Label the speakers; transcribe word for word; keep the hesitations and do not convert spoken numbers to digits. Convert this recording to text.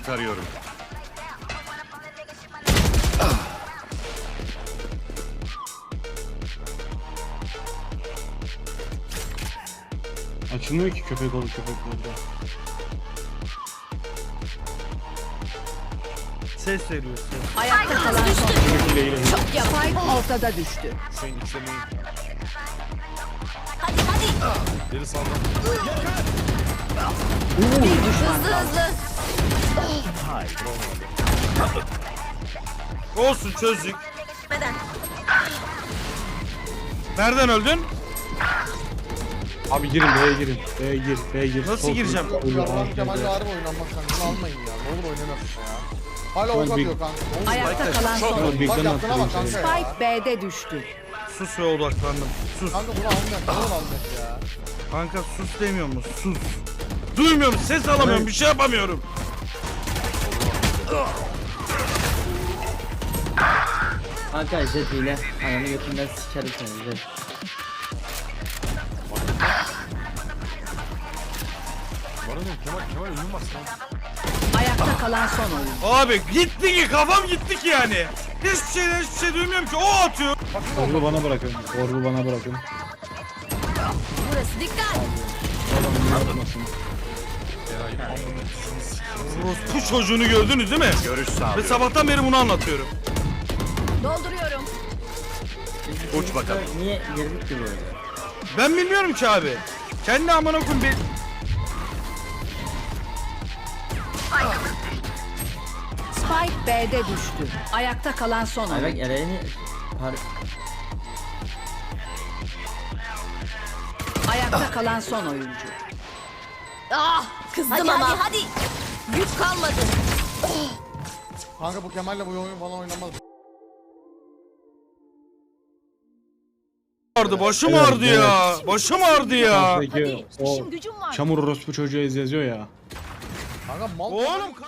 Speaker 1: İleriyi tarıyorum.
Speaker 2: Açılmıyor ki köpek olup köpek olup.
Speaker 3: Ses veriyor ses.
Speaker 4: Ayakta kalan son.
Speaker 2: İle ile.
Speaker 4: Çok yapay ortada düştü.
Speaker 5: Hüseyin yükselmeyin.
Speaker 6: Hadi hadi.
Speaker 5: Biri sağdan.
Speaker 4: Bir düşman
Speaker 6: Hızlı
Speaker 4: kaldı.
Speaker 6: hızlı.
Speaker 3: Olsun çözdük.
Speaker 6: Neden?
Speaker 3: Nereden öldün?
Speaker 2: Abi girin B'ye girin. B'ye gir. B'ye gir.
Speaker 3: Nasıl
Speaker 2: Sol
Speaker 3: gireceğim?
Speaker 2: klik,
Speaker 7: Ya
Speaker 2: uyu,
Speaker 7: Murat
Speaker 2: A,
Speaker 7: Kemal'le
Speaker 2: B.
Speaker 7: harbi oynanmak kanka. Bunu almayın ya. Ne olur oynanasın ya. Hala ok
Speaker 2: Big-
Speaker 7: atıyor kanka. Ne olur.
Speaker 4: Ayakta kalan son.
Speaker 2: Tamam,
Speaker 7: Bak
Speaker 2: Big'den
Speaker 7: yaptığına bak
Speaker 2: attırayım
Speaker 7: kanka
Speaker 2: seni.
Speaker 7: ya.
Speaker 4: Spike B'de düştü.
Speaker 3: Sus ve odaklandım. Sus.
Speaker 7: Kanka bunu almayak. Ne olur almayak ya.
Speaker 3: Kanka sus demiyor mu? Sus. Duymuyorum, ses alamıyorum, bir şey yapamıyorum.
Speaker 8: Kanka jet ile ananı götünden sikerim seni jet.
Speaker 5: Bana ne? Kemal, Kemal ölüm bas lan.
Speaker 4: Ayakta kalan son oyun.
Speaker 3: Abi gitti ki, kafam gitti ki yani. Hiçbir şey, hiçbir şey duymuyorum ki, o atıyor.
Speaker 2: Orbu bana bırakın. Orbu bana bırakın.
Speaker 6: Burası dikkat.
Speaker 2: Yapmasın.
Speaker 3: Bu çocuğunu gördünüz değil mi?
Speaker 1: Görüş
Speaker 3: Ve
Speaker 1: sağlıyorum.
Speaker 3: sabahtan beri bunu anlatıyorum.
Speaker 6: Dolduruyorum.
Speaker 1: Uç bakalım.
Speaker 8: Niye girdik ki böyle?
Speaker 3: Ben bilmiyorum ki abi. Kendi amına koyayım bir...
Speaker 4: Spike B'de düştü. Ayakta kalan son
Speaker 8: Ay bak
Speaker 4: oyun.
Speaker 8: Eren'i par...
Speaker 4: Ayakta kalan son oyuncu.
Speaker 6: Ah kızdım hadi, ama. Hadi hadi. Güç kalmadı.
Speaker 7: Kanka bu Kemal'le bu oyun falan oynanmaz.
Speaker 3: Ağrıdı, başım
Speaker 2: Evet,
Speaker 3: ağrıdı ya. Başım ağrıdı ya.
Speaker 2: Peki
Speaker 6: Hadi
Speaker 2: o
Speaker 6: işim gücüm var.
Speaker 2: çamur orospu çocuğu ez yazıyor ya.
Speaker 7: Kanka mal.
Speaker 3: Oğlum